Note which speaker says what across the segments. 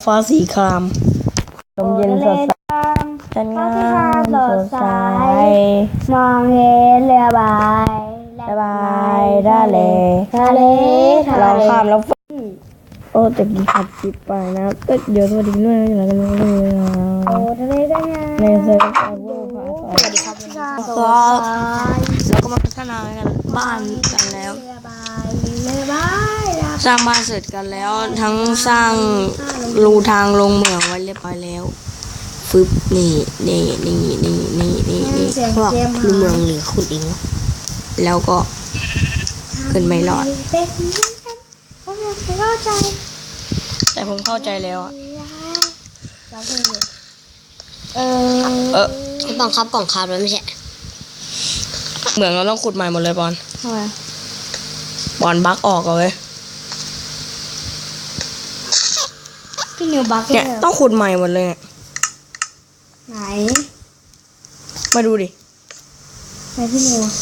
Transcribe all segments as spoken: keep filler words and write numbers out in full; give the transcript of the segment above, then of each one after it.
Speaker 1: ฟ้าสีครามลมเย็นสดใสจันงามสดใส
Speaker 2: มองเห็นเรือใบ
Speaker 1: สบายได้เลย
Speaker 2: ทะเล
Speaker 1: ลองข้ามแล้วโอ้แต่กินผัดจิบไปนะก็เดี๋ยวสวัสดีด้วยนะอย่างไรกันเลย
Speaker 2: โอ้ทะเลได้ไง
Speaker 1: ในเซิร์ฟไอโว่พาสวัสดีครับก็เราก็มาพัฒนากันบ้านกันแล้วสร้างบ้านเสร็จกันแล้วทั้งสร้างรูทางลงเหมืองไว้เรียบร้อยแล้วฟึบนี่นี่นี่นี่นี่นี่นี่พวกรูเมืองหรือขุดเองแล้วก็ขึ้นไม่รอดแต่ผมเข้าใจแล้วอะ
Speaker 2: เออ
Speaker 1: เออ
Speaker 2: บังคับกล่องคาร์บไว้ไม่ใช่
Speaker 1: เหมือนเราต้องขุดใหม่หมดเลยบอล
Speaker 2: ทำไม
Speaker 1: บอลบั๊กออกเอาเลย
Speaker 2: พี่นิวบั๊ก
Speaker 1: เนี่ยต้องขุดใหม่หมดเลย
Speaker 2: ไหน
Speaker 1: มาดูดิ
Speaker 2: ไหนพี่นิว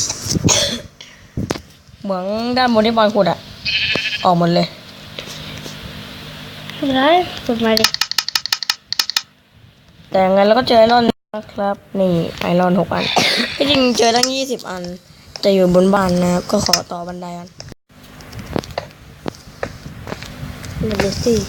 Speaker 1: เหมืองด้านบนที่บอลขุดอะออกหมดเลย
Speaker 2: ขุดไรขุดมาดิ
Speaker 1: แต่ยังไงเราก็เจอไอรอนนะครับนี่ไอรอนหกอันที่จริงเจอตั้งยี่สิบอันจะอยู่บนบ้านนะครับก็ขอต่อบันไดกัน
Speaker 2: เดี๋ยวสิ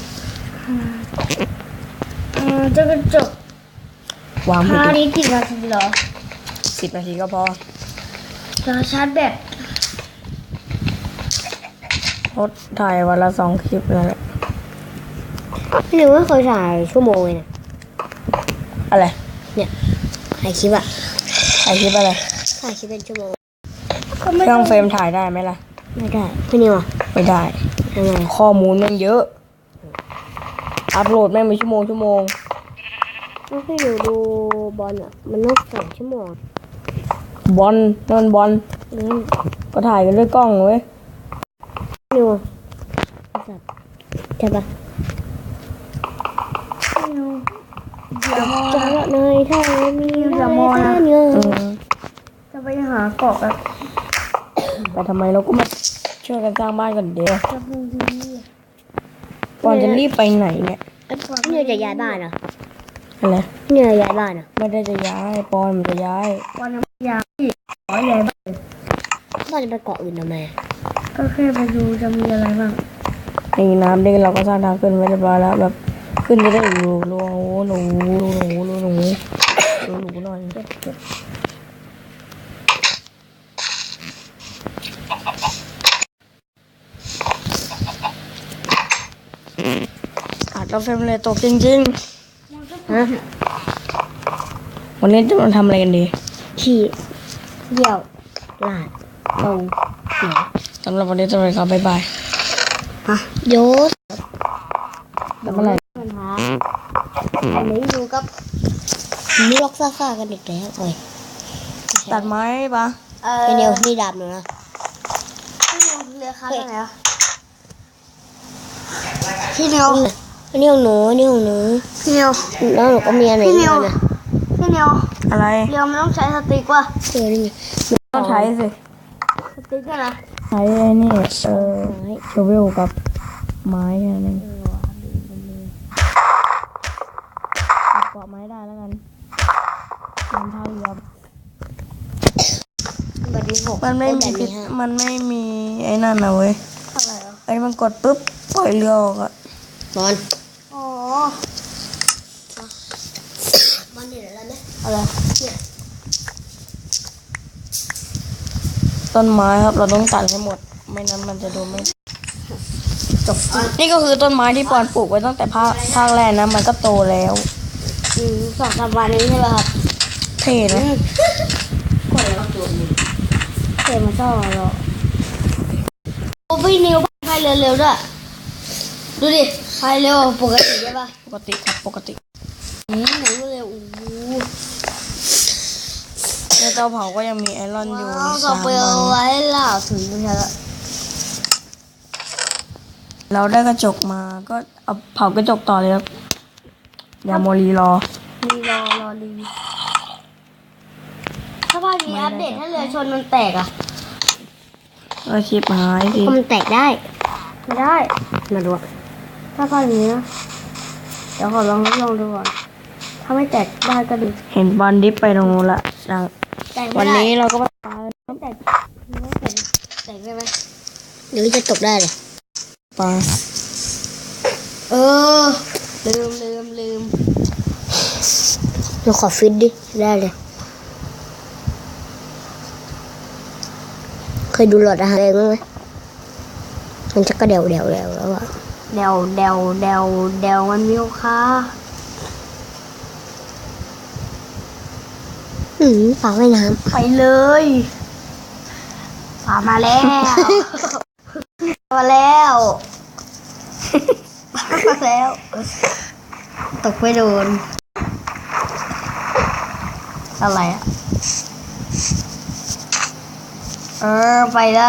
Speaker 2: อืมจะกระจก
Speaker 1: วาง
Speaker 2: พานี้กี่นาทีเหรอ
Speaker 1: สิบนาทีก็พอ
Speaker 2: จะชาร์จแบต
Speaker 1: รถถ่ายวันละสองคลิปนั่นแหละ
Speaker 2: พี่นิวไม่เคยถ่ายชั่วโมงเลยนะ
Speaker 1: อะไร
Speaker 2: เนี่ยถ่ายคลิปอะ
Speaker 1: ถ่ายคลิปอะไร
Speaker 2: ถ่ายคลิปเป็นชั่วโมง
Speaker 1: เครื่องเฟรมถ่ายได้ไหมล่ะ
Speaker 2: ไม่ได้พี่นิวอะ
Speaker 1: ไม่ได้ข้อมูลมันเยอะอัพโหลดแม่งเป็นชั่วโมงชั่วโมง
Speaker 2: ถ้าพี่นิวดูบอลอะมันต้องสองชั่วโมง
Speaker 1: บอลนั่นบอลก็ถ่ายกันด้วยกล้องเว้ย
Speaker 2: นิวใช่ปะจะละเนยถ้ามีจะมองนะจะไปหาเกาะแบบ
Speaker 1: แต่ทำไมเราก็มาช่วยกันสร้างบ้านกันเดียวก่อนจะรีบไปไหนเนี่ย
Speaker 2: นี่จะย้ายบ้านเหรอ
Speaker 1: อะไร
Speaker 2: นี่จะย้ายบ้านเหรอ
Speaker 1: ไม่ได้จะย้ายปอนมันจะย้าย
Speaker 2: ปอนจะย้ายขอย้ายบ้านบ้านจะไปเกาะอื่นทำไมก็แค่ไปดูจะมีอะไรบ้าง
Speaker 1: ในน้ำเด็กเราก็สร้างทางขึ้นไว้เรียบร้อยแล้วแบบขึ้นจะได้รูรูหนูรูหนูรูหนูรูหนูหน่อยอาจจะเฟรมเลยตกจริงๆฮะวันนี้จะมาทำอะไรกันดี
Speaker 2: ขี่เดี่ยวลาดตรงเหนือ
Speaker 1: สำหรับวันนี้จะไปครับบ๊ายบาย
Speaker 2: ฮะโยศ
Speaker 1: ทำอะไร
Speaker 2: อันนี้ดูกับมีล็อกซ่าๆกันอีกแล้วเอ้ย
Speaker 1: ตัดไม้ปะ
Speaker 2: เป็นเดียวนี่ดาบหนูนะเรือค้าไหนอ่ะพี่เนียวพี่เนียวหนูนี่ของหนูพี่เนียวแล้วหนูก็มีอะไรอีกนะพี่เนียว
Speaker 1: อะไร
Speaker 2: เรือมันต้องใช้สติ๊กว่ะเออนี่
Speaker 1: ต้องใช้สิ
Speaker 2: สติ๊กนะ
Speaker 1: ใช้ไอ้นี่เออโชเวลกับไม้แค่นั้นเกาะไม้ได้แล้วกันมันเท่าเรือมันไม่มีมันไม่มีไอ้นั่นนะเว้ยไอ้มันกดปุ๊บปล่อยเรือออกอะ
Speaker 2: บอลอ๋อบอลเห็นอะไรไหมอะไรเนี่ย
Speaker 1: ต้นไม้ครับเราต้องตัดให้หมดไม่นั้นมันจะดูไม่จบนี่ก็คือต้นไม้ที่ปอนปลูกไว้ตั้งแต่ภาคภาคแรกนะมันก็โตแล้ว
Speaker 2: อืมสองสามวันนี้ใช่ไหมครับ
Speaker 1: เท่นะ
Speaker 2: กดแล้วตัวนี้เท่มาชอบเราโอ้พี่นิวพายเร็วๆด้วยดูดิพายเร็วปกติใช่ปะ
Speaker 1: ปกติครับปกติ
Speaker 2: อืมหนูเร็วโอ้โห
Speaker 1: ในเตาเผาก็ยังมีไอรอนอยู่
Speaker 2: สามวันเอาไว้ล่าถึงไม่ใช่ละ
Speaker 1: เราได้กระจกมาก็เอาเผากระจกต่อเลยครับอย่าโมลีรอ
Speaker 2: รีรอรอรีถ้าพามีอัปเดตถ้าเรือชนมันแตกอ่ะ
Speaker 1: ก็ชิปหายสิ
Speaker 2: มันแตกได้ไม่ได้มาดูถ้าพามีนะเดี๋ยวขอลองทดลองดูก่อนถ้าไม่แตกได้ก็ดี
Speaker 1: เห็นบอลดิฟไปตรงนู้นละดัง
Speaker 2: แตกไม่
Speaker 1: วัน
Speaker 2: ได้
Speaker 1: นี้เราก็มา
Speaker 2: ไม่แตกไม่แตกแตกได้ไหมหรือจะตกได้เลย
Speaker 1: ปลา
Speaker 2: เออลืมลืมลืมเราขอฟิตดิได้เลยเคยดูหลอดอาหารเองไหมมันจะกระเดวเดวเดวแล้วอะเดวเดวเดวเดวมันมีค่าอืมปลาว่ายน้ำไปเลยปลามาแล้ว มาแล้วมาแล้ว ตกไม่โดน อะไรอ่ะ เออ ไปแล้ว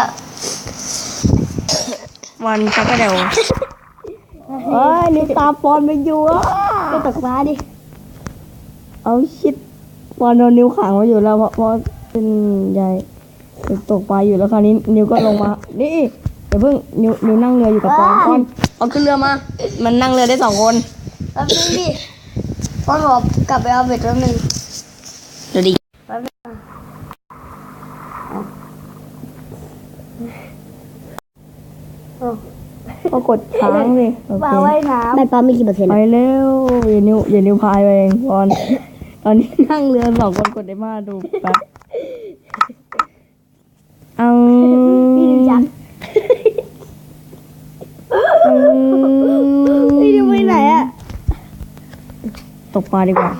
Speaker 1: วันชักกระเดวเฮ้ยนี่ตาปอนไปอยู่อ่ะ
Speaker 2: ไปตกปลาดิ
Speaker 1: เอาชิดปอนโดนนิ้วขังไว้อยู่แล้วเพราะเพราะเป็นใหญ่ตกปลาอยู่แล้วคราวนี้นิ้วก็ลงมานี่เดี๋ยวเพิ่งนิ้วนิ้วนั่งเรืออยู่กับปอนปอนเอาขึ้นเรือมา มันนั่งเรือได้สองคน
Speaker 2: แป๊บนึงดิป้อนบอกกลับไปเอาเบ็ดแป๊บนึง
Speaker 1: เดี๋ยวดิ
Speaker 2: แป๊บนึงเอา
Speaker 1: ก็กดค้างสิโอ
Speaker 2: ปลา
Speaker 1: เค
Speaker 2: ว่ายน้ำได้ปลาไม่กี่เปอร์เซ็นต์
Speaker 1: ไปเร็วอย่านิ้วอย่านิ้วพายไปเองปอนตอนนี้นั่งเรือสองคนกดได้มาดูแป๊บเอา
Speaker 2: พี่ดูจังพี่ดูไปไหนอ่ะ
Speaker 1: ตกปลาดีกว่า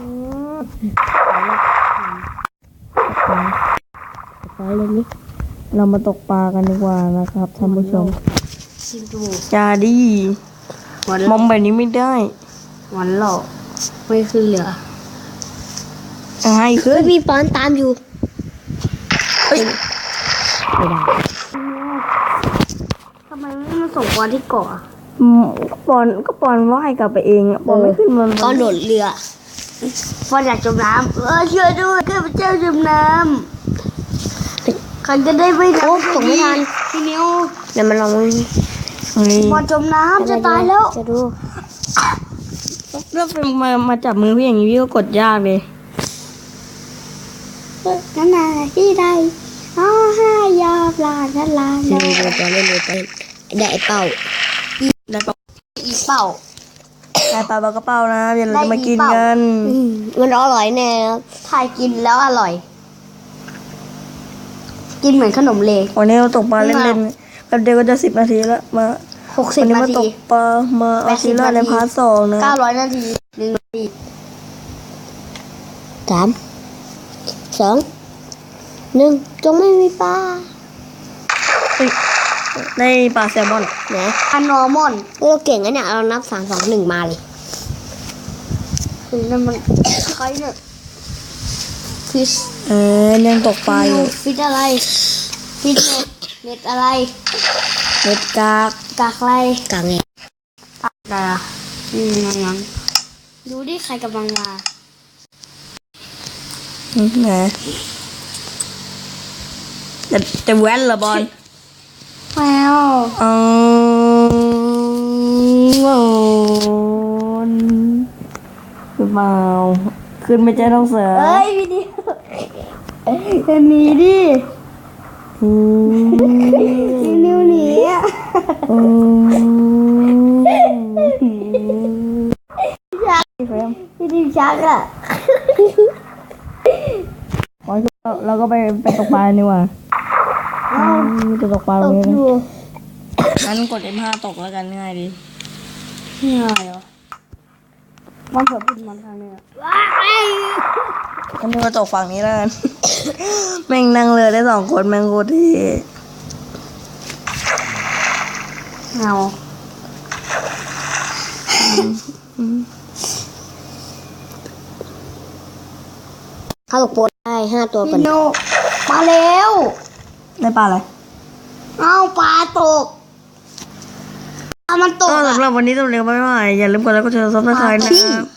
Speaker 2: ไปเลยนี่
Speaker 1: เรามาตกปลากันดีกว่านะครับท่านผู้ชม
Speaker 2: ชิมดู
Speaker 1: อย่าดี
Speaker 2: วัน
Speaker 1: มองแบบนี้ไม่ได้
Speaker 2: วันหลอกไม่ขึ้นเหลือ
Speaker 1: ให้
Speaker 2: เฮ้
Speaker 1: ขึ้
Speaker 2: ย
Speaker 1: น
Speaker 2: มีปอนตามอยู่
Speaker 1: เฮ้ย
Speaker 2: ไม่ได้ทำไมไม่มาส่งปอนที่เกาะ
Speaker 1: อืมก็ปอนก็ปอนว่ายกลับไปเองอะปอนไม่ขึ้นมัน
Speaker 2: ปอนโดดเรือปอนอยากจมน้ำเออช่วยด้วยข้าพเจ้าจมน้ำใครจะได้ไม่โอ้ส่งไม่ทันพี่นิวเดี๋ยวมันลอง
Speaker 1: นี่
Speaker 2: ปอนจมน้ำจะตายแล้วจะดู
Speaker 1: แล้วมามาจับมือพี่อย่างนี้พี่ก็กดยากเลย
Speaker 2: นั่นน่ะที่ใดอ๋อห้ายาปลาฉลาดเล่นเล่นเล่นเล่นเล่นได้เป้า
Speaker 1: ได้ปะ
Speaker 2: อีเป้า
Speaker 1: ได้ปลาปลากระเป้านะเดี๋ยวเราจะมากิน
Speaker 2: ได้อีเป้า
Speaker 1: กัน
Speaker 2: มันอร่อยแน่ถ่ายกินแล้วอร่อย กินเหมือนขนมเล
Speaker 1: วันนี้เราตกปลาเล่นๆแป๊บเดียวก็จะสิบนาทีแล้วมา
Speaker 2: หกสิบ
Speaker 1: วันนี้
Speaker 2: นา
Speaker 1: มาต
Speaker 2: ที
Speaker 1: กปลามาเอาซีร่าในพาร์ทสองนะ
Speaker 2: เก้าร้อยนาทีหนึ่งนาทีสามสองหนึ่งจงไม่มีปลา
Speaker 1: ได้ปลาแซลมอน
Speaker 2: ไหนปลานอร์มอนเราเก่งนะเนี่ยเรานับสามสองหนึ่งมาเลยคือนั่นมันใครเนี่ยฟิช
Speaker 1: เออยังตกปลาอยู่
Speaker 2: ฟิชอะไรฟิชเน็ตเน็ตอะไร
Speaker 1: เม็ดกาก
Speaker 2: กากอะไรกากไงกากอะไรอ่ะอืมงั้นดูดิใครกำลังมา
Speaker 1: อืมไหนจะจะแว้นเหรอบอล
Speaker 2: แมว
Speaker 1: อ๋อโอ้นหรือเปล่าขึ้นไม่ใช่ต้องเสือ
Speaker 2: เอ้ยวิดีโอจะหนีดิ
Speaker 1: อืม
Speaker 2: วินิวหนีอ่ะ
Speaker 1: อืม
Speaker 2: พี่ดิวชักอ่ะ
Speaker 1: อ๋อเราก็ไปไปตกปลาดีกว่าอืมจะตกปลาต
Speaker 2: ต
Speaker 1: รง
Speaker 2: ก
Speaker 1: นี้
Speaker 2: อ
Speaker 1: นะ
Speaker 2: ยู่
Speaker 1: งั้นกด เอ็ม ห้า ตกแล้วกันง่ายดี
Speaker 2: ง่ายเหรอมันเผื่อพูดมันทางนี้อ่ะ
Speaker 1: งั้นมาตกฝั่งนี้แล้วกัน แม่งนั่งเรือได้สองคนแม่งโคตรเท่
Speaker 2: เงาเขาตกโปนได้ห้าตัวก่อนพี่โนมาแล้ว
Speaker 1: ได้ปลาอะไร
Speaker 2: เอ้าปลาตกปลามันตก
Speaker 1: ก็
Speaker 2: อ่ะ
Speaker 1: สำหรับวันนี้ต้องเรียนไปว่าอย่าลืมกดไลค์กดแชร์ซับสไครต์นะครับ